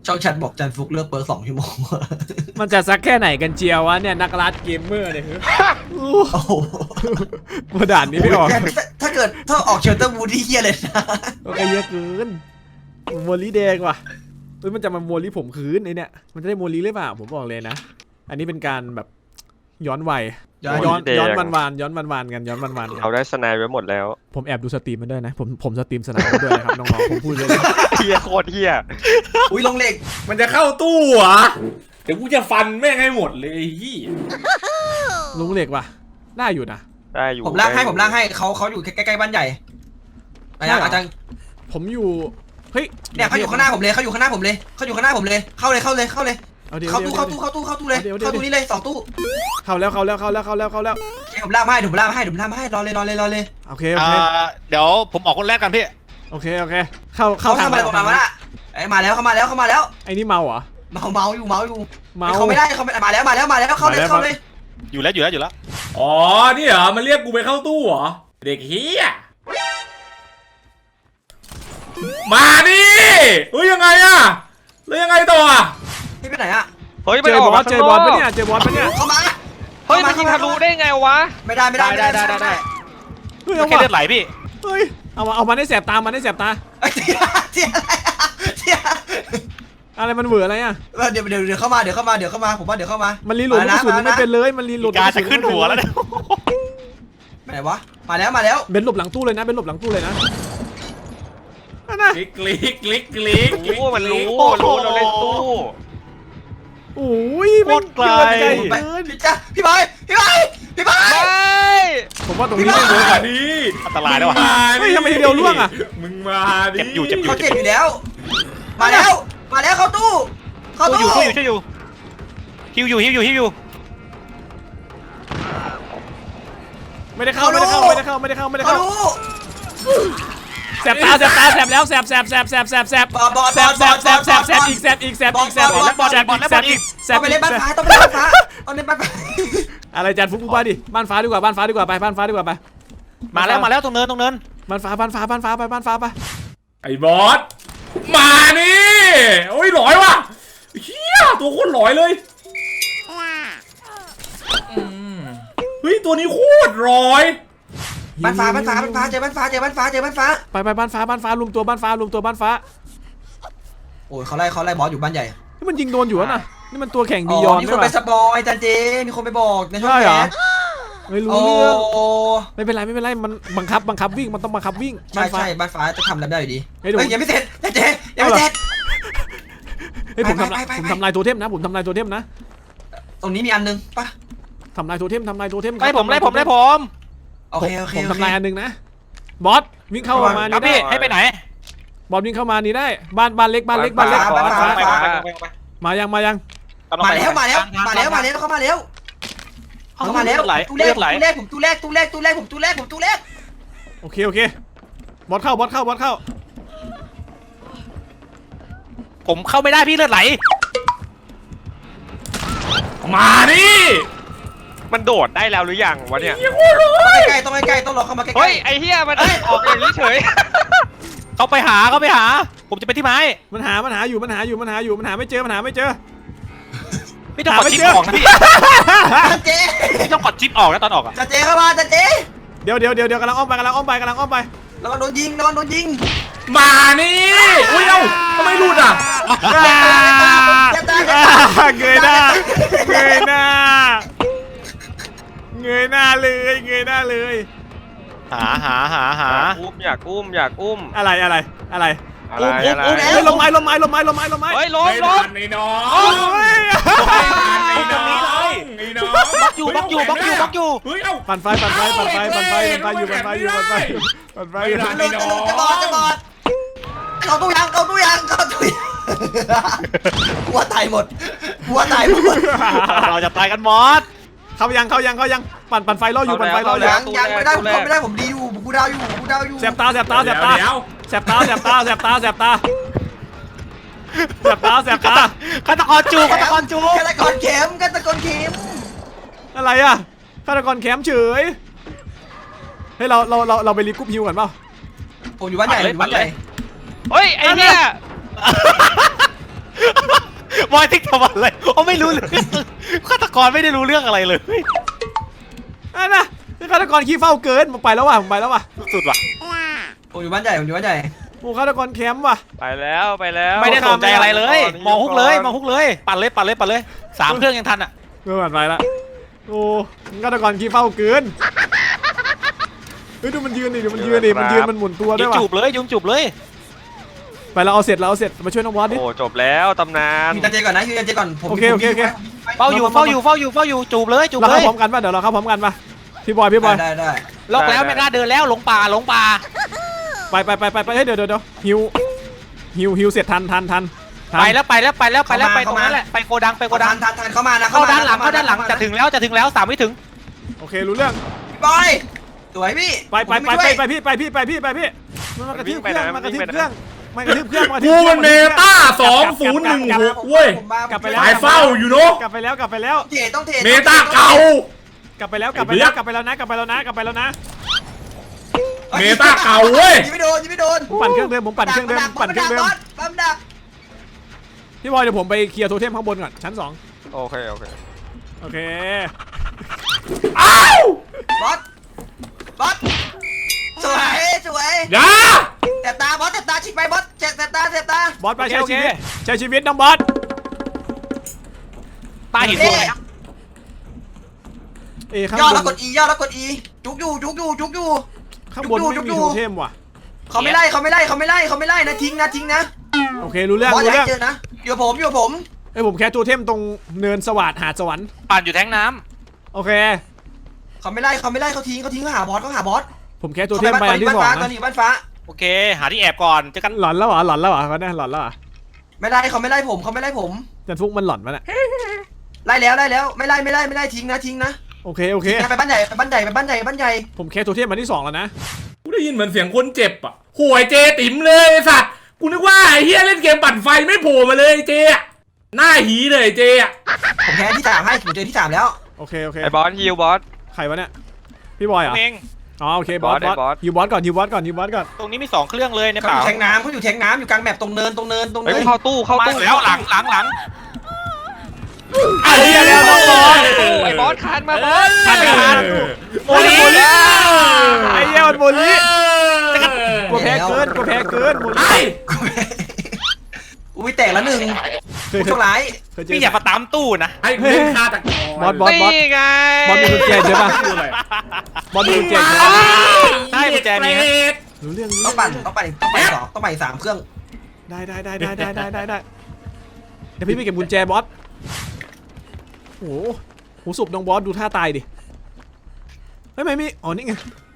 ช่องแชทบอกจันฟุกเลือกเปิร์2 ชั่วโมงมันจะสักแค่ไหนกันเจียววะเนี่ยนักรัดเกมเมอร์เนี่ยโอ้โหมาด่านนี้ไม่ออกถ้าออกเชลเตอร์วูดที่เฮียเลยนะโอเคเยอะเกินโมลีแดงว่ะเฮ้ยมันจะมาโมลีผมคืนไอเนี่ยมันจะได้โมลีหรือเปล่าผมบอกเลยนะอันนี้เป็นการแบบย้อนวัยย้อนวันย้อนวันกันย้อนวันเขาได้สไนไว้หมดแล้วผมแอบดูสตรีมมันด้วยนะผมสตรีมสนามด้วยนะครับน้องๆผมพูดเลยเฮียโคตรเฮียอุ้ยลงเหล็กมันจะเข้าตู้เหรอเดี๋ยวกูจะฟันแม่งให้หมดเลยไอ้ยี่ลุงเหล็กว่ะได้อยู่นะได้อยู่ผมลากให้เขาอยู่ใกล้ๆบ้านใหญ่อาจารย์ผมอยู่เฮ้ยเนี่ยเขาอยู่ข้างหน้าผมเลยเขาอยู่ข้างหน้าผมเลยเข้าเลยเข้าตู้เลยเข้าตู้เลยเข้าตู้นี้เลย2 ตู้เข้าแล้วผมลากมาให้รอเลยโอเคเดี๋ยวผมออกคนแรกกันพี่โอเคเข้าทำอะไรประมาณนั้นไอ้มาแล้วไอ้นี่เมาเหรอเมาอยู่เขาไม่ได้เขามาแล้วเข้าเลยอยู่แล้วอ๋อนี่เหรอมันเรียกกูไปเข้าตู้เหรอเด็กเฮียมาดิเฮ้ยยังไงอะแล้วยังไงต่ออะพี่ไปไหนอะเฮ้ยเจอบอลปะเนี่ยเข้ามาเฮ้ยมันยิงทะลุได้ไงวะไม่ได้เฮ้ยแค่เลือดไหลพี่เฮ้ยเอามาได้แสบตาเจียอะไรมันเหวออะไรอ่ะเดี๋ยวเข้ามาผมว่าเดี๋ยวเข้ามามันรีโหลดกระสุนไม่เป็นเลยมันรีโหลดการจะขึ้นหัวแล้วเนี่ยไหนวะมาแล้วเบนหลบหลังตู้เลยนะนั่นนะคลิกมันรู้เราเล่นตู้โอ้ยโคตรไกลพี่บอยผมว่าตรงนี้ไม่เวิร์กมาอ่ะดิอันตรายแล้วว่ะเฮ้ยทำไมทีเดียวล่วงอ่ะมึงมาดิเจ็บอยู่เขาเจ็บอยู่แล้วมาแล้วเข้าตู้ช่วยอยู่ฮิวอยู่ไม่ได้เข้าแสบตาแล้วแสบอีกต้องไปเล่นบ้านฟ้าอะไรจันฟุกบ้านดิบ้านฟ้าดีกว่าไปบ้านฟ้าดีกว่าไปมาแล้วตรงเนินบ้านฟ้าไปไอ้บอสมานี่โอ้ยหลอยว่ะเฮียตัวโคตรหลอยเลยเฮ้ยตัวนี้โคตรหลอยบ้านฟ้าเจอบ้านฟ้าไปบ้านฟ้ารวมตัวบ้านฟ้าโอ้ยเขาไล่บอสอยู่บ้านใหญ่นี่มันยิงโดนอยู่นะนี่มันตัวแข่งบียอนมีคนไปสปอยจันเจมีคนไปบอกในช่องแชทไม่รู้เรื่องไม่เป็นไรมันบังคับวิ่งมันต้องบังคับวิ่งใช่บ้านฟ้าจะทำอะไรได้อยู่ดีเฮ้ยยังไม่เสร็จจันเจยังไม่เสร็จเฮ้ยผมทำลายตัวเทมนะตรงนี้มีอันนึงปะทำลายตัวเทมไล่ผมโอเคผมทำลายอันนึงนะบอสวิ่งเข้ามานี่ได้ให้ไปไหนบอสวิ่งเข้ามานี่ได้บ้านเล็กมายังมาแล้วเข้ามาแล้วตู้แรกโอเคบอสเข้าผมเข้าไม่ได้พี่เลือดไหลมาดิมันโดดได้แล้วหรือยังวะเนี่ยต้องใกล้ต้องรอเข้ามาใกล้เฮ้ยไอ้เหี้ยมันออกอย่างนี้เฉยเขาไปหาผมจะไปที่ไม้มันหาอยู่มันหาไม่เจอไม่ต้องกดชิปออกนะพี่จันเจไม่ต้องกดชิปออกนะตอนออกอะจันเจเข้ามาจันเจเดี๋ยวกำลังอ้อมไประวังโดนยิงมานี่อุ้ยเอ้าทำไมหลุดอ่ะเงยหน้าเลยหาอยากอุ้มอะไรลมไม้เฮ้ยล้มไอ้น้องบล็อกอยู่เฮ้ยเอ้าปั่นไฟอยู่จะบอดเข้าตู้ยังหัวตายหมดเราจะตายกันหมดเข้ายังปั่นไฟรออยู่ยังไม่ได้ผมดีอยู่กูดาวอยู่แสบตาฆาตกรจูฆาตกรเข็มอะไรอ่ะฆาตกรแคมป์เฉยเฮ้ยเราไปรีบกุ๊บฮิวกันเปล่าผมอยู่บ้านใหญ่เฮ้ยไอ้เนี่ยบอยติ๊กทำอะไรเขาไม่รู้เรื่องฆาตกรไม่ได้รู้เรื่องอะไรเลยอันน่ะนี่ฆาตกรขี้เฝ้าเกินผมไปแล้วว่ะผมไปแล้วว่ะสุดว่ะผมอยู่บ้านใหญ่ผมอยู่บ้านใหญ่โอ้ฆาตกรแคมป์ว่ะไปแล้วไปแล้วไม่ได้สนใจอะไรเลย มองฮุกเลยมองฮุกเลยปั่นเลยปั่นเลยปั่นเลย3เครื่องยังทันอ่ะไม่ผ่านไปละโอ้ฆาตกรขี้เฝ้าเกินเฮ้ยดูมันยืนดิดูมันยืนดิมันยืนมันหมุนตัวด้ยุวยงว่ะจูบเลยยุงจูบเลยไปเราเอาเสร็จเราเอาเสร็จมาช่วยน้องบอสดิโอ้จบแล้วตำนานยืนเจก่อนนะยืนเจก่อนผมโอเคโอเคโอเคเฝ้าอยู่เฝ้าอยู่เฝ้าอยู่เฝ้าอยู่จูบเลยจูบเราเลเข้าย พร้อมกันป่ะเดี๋ยวเราเข้าพร้อมกันป่ะพี่บอยได้ล็อกแล้วไม่กล้าเดินแล้วหลงป่าหลงป่าไปเฮ้ยเดี๋ยวฮิวเสร็จทันไปแล้วไปตรงนั้นแหละไปโกดังไปโกดังทันเข้ามานะเข้าด้านหลังจะถึงแล้ว3ไม่ถึงโอเครู้เรื่องบอยสวยพี่ไปพี่มันมากระทืบเครื่องมากระทืบเครื่องกูมันเมตา2016เว้ยกลับไปแล้วสายเฝ้าอยู่เนาะกลับไปแล้วเทต้องเทเมตาเก่ากลับไปแล้วนะเมตาเก่าเว้ยยิงไม่โดนผมปั่นเครื่องเดิมปั่นเครื่องเดิมปั๊มดักพี่บอยเดี๋ยวผมไปเคลียร์โทเทมข้างบนก่อนชั้น2 โอเคโอเคอ้าวบอสสวยอย่าแต่ตาบอสแต่ตาชิกไปบอสแต่ตาบอสไปใช้ชีวิตน้องบอสตาหินตัวไหนข้างย่อบ แล้วกด E ย่อแล้วกด E จุกอยู่ข้างบนไม่มีโทเทมว่ะเขาไม่ไล่นะทิ้งนะโอเครู้เรื่องบอสอย่าเจอนะอยู่ผมผมแค่โทเทมตรงเนินสวัสดหาดสวรรค์ปั่นอยู่แท้งน้โอเคเขาไม่ไล่เขาทิ้งเขาหาบอสผมแค่โทเทมไปอันที่2 ตอนนะนี้บ้านฟ้าำโอเคหาที่แอบก่อนเจอกันหลอนแล้วเหรอเขาเนี่ยหลอนแล้วเหรอไม่ไล่เขาไม่ไล่ผมจันฟุกมันหลอนมันอะไล่แล้วไม่ไล่ทิ้งนะโอเคไปบ้านใหญ่ผมแค่โทเทมอันที่2แล้วนะกูได้ยินเหมือนเสียงคนเจ็บอ่ะห่วยเจติ๋มเลยไอ้สัตว์กูนึกว่าไอ้เฮียเล่นเกมปั่นไฟไม่โผล่มาเลยเจอะหน้าหีเลยเจอะผมแพ้ที่3ให้ผมเจอที่3แล้วโอเคไอ้บอสฮิวบอสใครวะเนี่ยพี่บอยเหรอเองอ๋อโอเคบอสฮิวบอสก่อนตรงนี้มี2เครื่องเลยในเขาเปอล่ายู่แทงน้ำอยู่กลางแมปตรงเนินเฮ้ยเข้าตู้มาแล้วหลังไอ้เหี้ยแล้วน้องบอสไอ้บอสคานมาบอสโมลีไอ้เหี้ยมันโมลีกูแพ้เกินโมลีอุ้ยแตกแล้ว1ผู้โชคร้ายพี่อย่ามาตามตู้นะไอ้เล่นคาตะกบอสนี่ไงบอสมีกุญแจใช่ปะบอสมีกุญแจใช่ปะใช่กุญแจนี้รู้เรื่องต้องไป3เครื่องได้เดี๋ยวพี่ไปเก็บกุญแจบอสโอ้โหศพน้องบอสดูท่าตายดิไม่มีอ๋อนี่ไง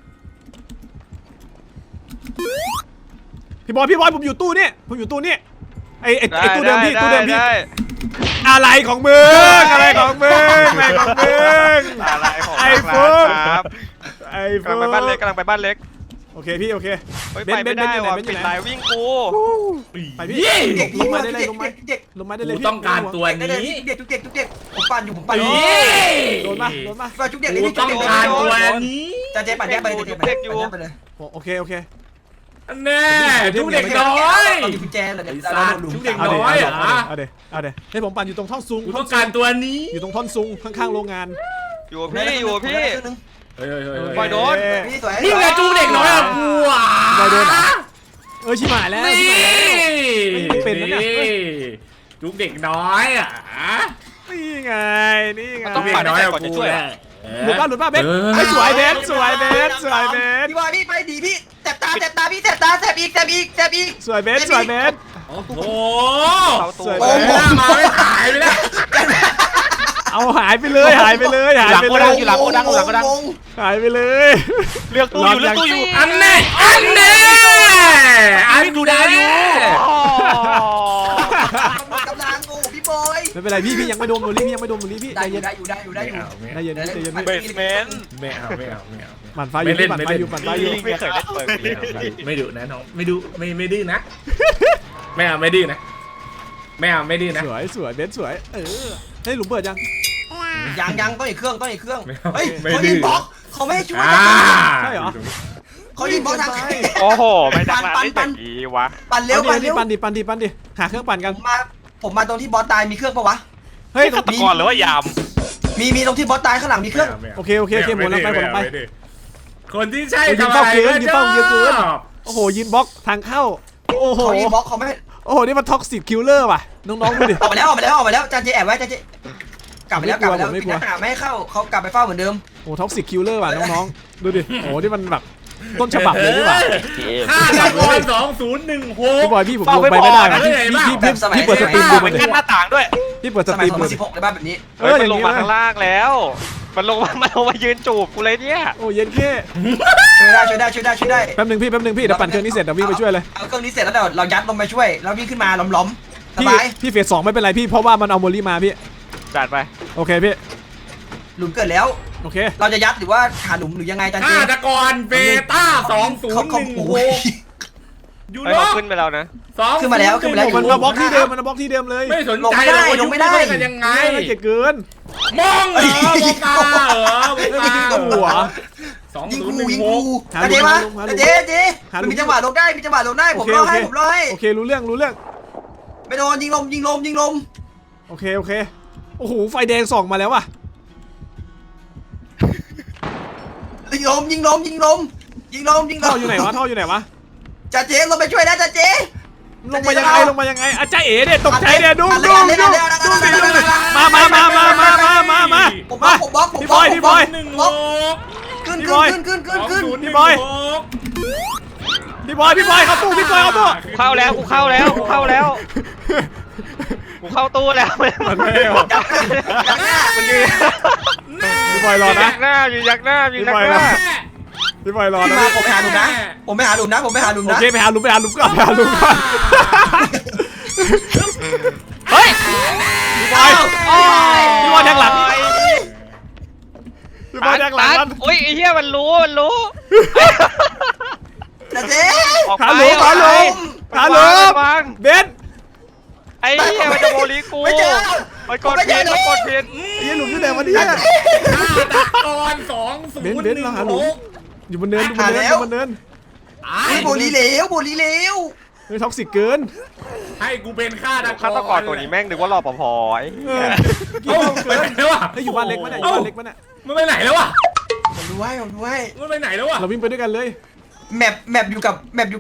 พี่บอยผมอยู่ตู้นี่ไอ้ตู้เดิมพี่อะไรของมึงแม่งของมึงอะไรของไอ้ฟุ๊กครับไอ้กำลังไปบ้านเล็กโอเคพี่โอเคเฮ้ยเบไปนไม่ได้เบนอยู่ไหนว่ะเบนอยู่ปิดไหนลายวิ่งกูไปพี่เด็กลงมาได้เลยลงมาได้เลยกูพี่ต้องการตัวนี้เด็กผมปั่นอยู่โดนมาจุกเด็กกูต้องการตัวนี้จะเจ๊ปั่นแยกไปเลยโอเคอันแน่ทุกเด็กน้อยเรามีกุญแจเลยทุกเด็กน้อยเหรอเอาเดี๋ยวให้ผมปั่นอยู่ตรงท่อนซุงกูต้องการตัวนี้อยู่ตรงท่อนซุงข้างๆโรงงานอยู่กับพี่เฮ้ยบอยโดนนี่สวยนี่ไงจูเด็กน้อยอะกูอ่ะบอยโดนชิบหายแล้ว เป็นนะเนี่ยจูเด็กน้อยอ่ะนี่ไงต้องปั่นให้ก่อนจะช่วยหลุดป่ะเบสสวยเบสพี่บอยพี่ไปดีพี่แสบตาพี่แสบอีกสวยเบสโอ้โหสวยโอ้โหมาไม่หายไปแล้วเอาหายไปเลยหลังโกดังอยู่หลังโกดังหายไปเลยเลือกตู้อยู่อันแน่อันกูได้อยู่กำลังโอ้พี่บอยไม่เป็นไรพี่ยังไม่โดนโมลี่พี่ใจเย็นได้อยู่เบสเมนต์ไม่เอาหมั่นไฟอยู่ไม่เคยได้เปิดเลยไม่ดุนะน้องไม่ดุไม่ดื้อนะไม่เอาไม่ดื้อนะไม่เอาไม่ดื้อนะสวยเบสสวยให้หลุมเปิดยังยังต้องอีกเครื่องเฮ้ยไม่เขาดื้ยิองบล็อกเขาไม่ช่วยใช่เหรอเขายิงบล็อกทางโอ้โหไม่ดังร้านได้อย่างนี้วะปั่นเร็วปั่นดิหาเครื่องปั่นกันมาผผมมาตรงที่บอสตายมีเครื่องปะวะเฮ้ยฆาตกรหรือว่ายามมีตรงที่บอสตายข้างหลังมีเครื่องโอเคหมดแล้วไปหมดแล้วไปคนที่ใช่ยิงเป้าเกินยิงเป้าเยอะเกิน โอ้โหยินบล็อกทางเข้าโอ้โหเขาอีบล็อกเขาไม่โอ้โหนี่มันท็อกซิกคิลเลอร์ว่ะน้องๆดูดิออกมาแล้วจานเจแอบไว้จานเจกลับไปแล้วปิดหน้าต่างไม่ให้เข้าเขากลับไปเฝ้าเหมือนเดิมโอ้ท็อกซิกคิลเลอร์ว่ะน้องๆดูดิโอ้นี่มันแบบต้นฉบับเลยนี่หว่าฆ่าตะกอน2016 พี่บอยพี่ผมลงไปไม่ได้ว่ะพี่เปิดสตรีมดูไปมันดิกั้นหน้าต่างด้วยพี่เปิดสสตมัรียมดู 2016ในบ้านแบบนี้มันลงมาข้างล่างแล้วมันลงมายืนจูบกูเลยเนี่ยโอ้เย็นแค่ช่วยได้แป๊บนึงพี่เดี๋ยวปั่นเครื่องนี้เสร็จเดี๋ยววิ่งไปช่วยเลยเอาเครื่องนี้เสร็จแล้วเดี๋ยวเรายัดลงไปช่วยแล้ววิ่งขึ้นมาล้อมสบายพี่เฟส 2ไม่เป็นไรพี่เพราะว่ามันเอาโมลี่มาพี่จัดไปโอเคพี่หลุมเกิดแล้วโอเคเราจะยัดหรือว่าหาหลุมหรือยังไงจานเจฆ่าตะกอนเบต้าเขาโอ้ย 2016ยูเฮ้ยโรเขาขึ้นไปแล้วนะขึ้นมาแล้วมันมาบล็อกที่เดิมมันมาบล็อกที่เดิมเลยไม่สนใจเลยว่ายุคนี้เล่นกันยังไงไม่เก่งเกินมองเหรอโมกาเหรอโมกาหัวยิงกู 2016 จานเจมาเจมันมีจังหวะลงได้ผมรอให้โอเครู้เรื่องไม่โดนยิงลมโอเคโอ้โหไฟแดงส่องมาแล้วว่ะยิงลมท่ออยู่ไหนวะจานเจลงไปช่วยนะจานเจลงมายังไงอาจารย์เอ๋เนี่ยตกใจเนี่ยดูมาผมบล็อกพี่บอย 1 ขึ้นพี่บอยเข้าตู้เข้าแล้วกูเข้าตู้แล้วมันไม่ออกมันยืนพี่บอยรอนะอยู่ยักหน้าพี่บอยรอนะผมไปหาหลุมนะผมไปหาหลุมโอนะเคไปหาหลุมก่อนเฮ้ยพี่บอยแทงหลังมันโอ้ยไอ้เหี้ยมันรู้จานเจออกไปหาหลุมเบนไอ้เหี้ยมันจะโมลีกูไม่เจอมันกดผิดไอ้หลุมที่ไหนวะเนี่ยฆ่าตะกอน2016 อยู่บนเนินโบลีเหลวไม่ท็อกซิกเกินให้กูเป็นฆ่าตะกอนฆาตกรตัวนี้แม่งนึกว่ารอปภไอ้เอ้าไปไหนแล้ววะอยู่บ้านเล็กมั้ยเนี่ยมันไปไหนแล้ววะผมดูให้มันไปไหนแล้ววะเราวิ่งไปด้วยกันเลยแมปอยู่กับอยู่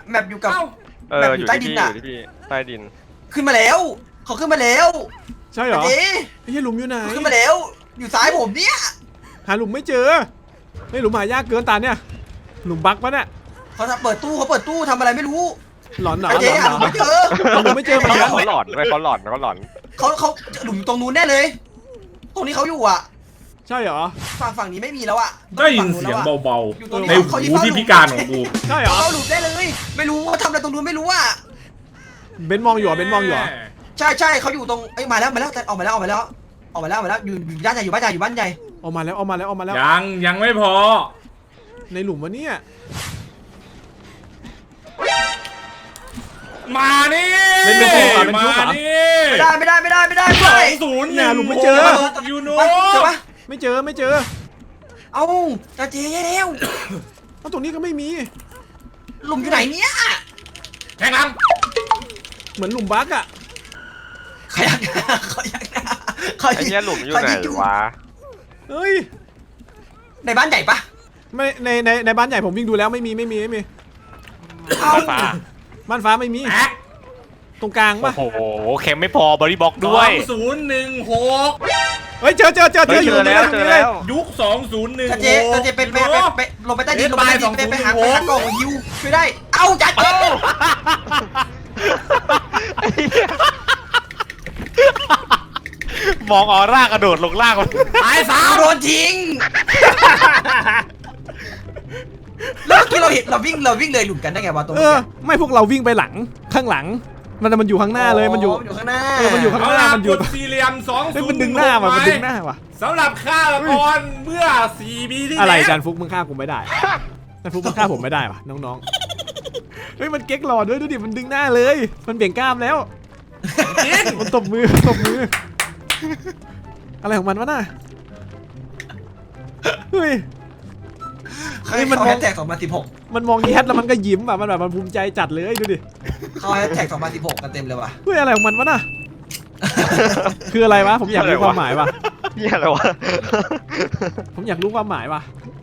ที่พี่ใต้ดินขึ้นมาแล้วเขาขึ้นมาแล้วใช่เหรอเอ๊ะไอ้เหี้ยหลุมอยู่ไหนขึ้นมาแล้วอยู่ซ้ายผมเนี่ยหาหลุมไม่เจอไอ้หลุมหายากเกินตาเนี่ยหลุมบั๊กปะเนี่ยเขาเปิดตู้ทำอะไรไม่รู้หลอนหนาเจ๊หาหลุมไม่เจอหลุมไม่เจอเหมือนกันเขาหลอนเขาหลุมตรงนู้นแน่เลย ตรงนี้เขาอยู่อ่ะใช่เหรอฝั่งนี้ไม่มีแล้วอ่ะได้ยินเสียงเบาๆในหูที่พิการของกูใช่เหรอเขาหลุมได้เลย ไม่รู้ว่าทำอะไรตรงนู้นไม่รู้อ่ะเบนมองอยู่เหรอใช่เขาอยู่ตรงเอ้ยมาแล้วออกมาแล้วอยู่บ้านใหญ่อยู่บ้านใหญ่ออกมาแล้วยังไม่พอในหลุมวะเนี่ยมานี่เป็นคิวเหรอมานี่ไม่ได้ 2016 เนี่ยหลุมไม่เจอยูโนเจอปะไม่เจอเอ้าจะเจ๊แล้วเพราะตรงนี้ก็ไม่มีหลุมอยู่ไหนเนี่ยแข่งลังเหมือนหลุมบั๊กอะขยักหน้าไอ้เหี้ยหลุมอยู่ไหนวะเฮ้ยในบ้านใหญ่ปะไม่ในบ้านใหญ่ผมวิ่งดูแล้วไม่มีเอ้าบ้านฟ้าไม่มีแอ๊กตรงกลางปะโอ้โหเข็มไม่พอบริบ็อกด้วย 2016 เฮ้ยเจออยู่ตรงนี้เลยยุค 2016 จะเจ๊ไปลงไปใต้ดินไปหากล่องฮิวช่วยได้เอ้าจัดมองออร่ากระโดดลงล่างมันตายสามโดนทิ้งแล้วเมื่อกี้เราเห็นเราวิ่งเลยหลุมกันได้ไงวะตรงเอนี้อไม่พวกเราวิ่งไปหลังข้างหลังมันอยู่ข้างหน้าเลยมันอยู่ข้างหน้ามันอยู่ข้างหน้ามันอยู่กดสี่เหลี่ยมเฮ้ยมันดึงหน้าว่ะสำหรับฆ่าตะกอนเมื่อ4 ปีที่แล้วอะไรจันฟุกมึงฆ่ากูไม่ได้จันฟุกมึงฆ่าผมไม่ได้วะน้องๆเฮ้ยมันเก๊กหลอดด้วยดูดิมันดึงหน้าเลยมันเบี่ยงกล้ามแล้วจริงมันตบมืออะไรของมันวะน่ะเฮ้ยมันแฮชแท็ก2016 มันมองแยดแล้วมันก็ยิ้มแบบมันภูมิใจจัดเลยดูดิเขาแฮชแท็ก2016กันเต็มเลยว่ะเฮ้ยอะไรของมันวะน่ะคืออะไรวะผมอยากรู้ความหมายว่ะเนี่ยอะไรวะผมอยากรู้ความหมายว่ะ